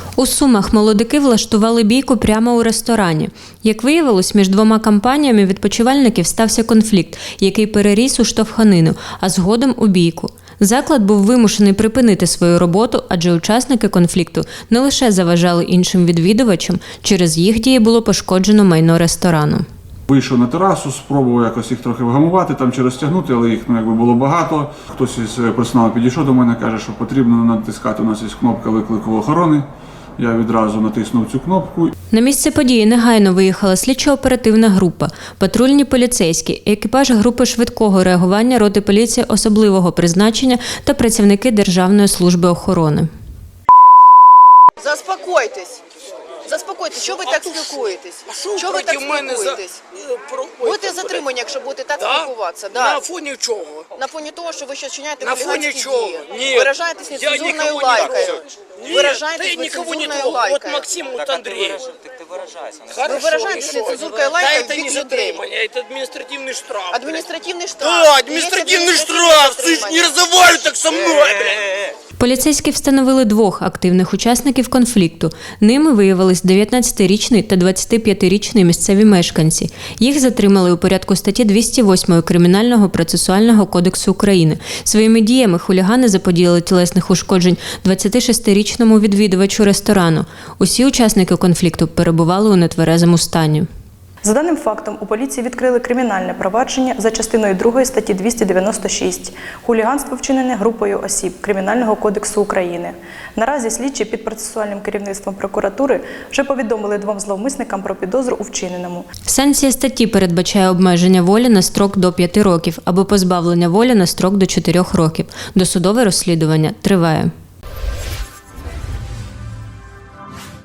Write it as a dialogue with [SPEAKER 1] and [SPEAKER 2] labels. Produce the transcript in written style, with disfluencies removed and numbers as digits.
[SPEAKER 1] У Сумах молодики влаштували бійку прямо у ресторані. Як виявилось, між двома компаніями відпочивальників стався конфлікт, який переріс у штовханину, а згодом у бійку. Заклад був вимушений припинити свою роботу, адже учасники конфлікту не лише заважали іншим відвідувачам, через їх дії було пошкоджено майно ресторану.
[SPEAKER 2] Вийшов на терасу, спробував якось їх трохи вгамувати, там чи розтягнути, але їх було багато. Хтось із персоналу підійшов до мене, каже, що потрібно натискати, у нас є кнопка виклику охорони. Я відразу натиснув цю кнопку.
[SPEAKER 1] На місце події негайно виїхала слідчо-оперативна група, патрульні поліцейські, екіпаж групи швидкого реагування роти поліції особливого призначення та працівники Державної служби охорони.
[SPEAKER 3] Заспокойтесь. Заспокойтесь, що ви так спілкуєтесь? Що ви так спілкуєтесь? Будете затримані, якщо будете так спілкуватися. Да.
[SPEAKER 4] На фоні чого?
[SPEAKER 3] На фоні того, що ви ще вчиняєте
[SPEAKER 4] На фоні
[SPEAKER 3] хуліганські
[SPEAKER 4] чого?
[SPEAKER 3] дії.
[SPEAKER 4] Ні.
[SPEAKER 3] Виражаєтесь нецензурною лайкою. Виражаєтесь нецензурною лайкою.
[SPEAKER 4] Вот Максим, вот Андрей.
[SPEAKER 3] Ви виражаєтесь нецензурною лайкою
[SPEAKER 4] это
[SPEAKER 3] в
[SPEAKER 4] не
[SPEAKER 3] бік людей.
[SPEAKER 4] затримання, это административный штраф.
[SPEAKER 3] Адміністративний штраф.
[SPEAKER 4] Да, административный штраф! Ты ж не разговаривай так со мной, блядь!
[SPEAKER 1] Поліцейські встановили двох активних учасників конфлікту. Ними виявились 19-річний та 25-річний місцеві мешканці. Їх затримали у порядку статті 208 Кримінального процесуального кодексу України. Своїми діями хулігани заподіяли тілесних ушкоджень 26-річному відвідувачу ресторану. Усі учасники конфлікту перебували у нетверезому стані.
[SPEAKER 5] За даним фактом, у поліції відкрили кримінальне провадження за частиною 2 статті 296 «Хуліганство, вчинене групою осіб Кримінального кодексу України». Наразі слідчі під процесуальним керівництвом прокуратури вже повідомили двом зловмисникам про підозру у вчиненому.
[SPEAKER 1] Санкція статті передбачає обмеження волі на строк до 5 років або позбавлення волі на строк до 4 років. Досудове розслідування триває.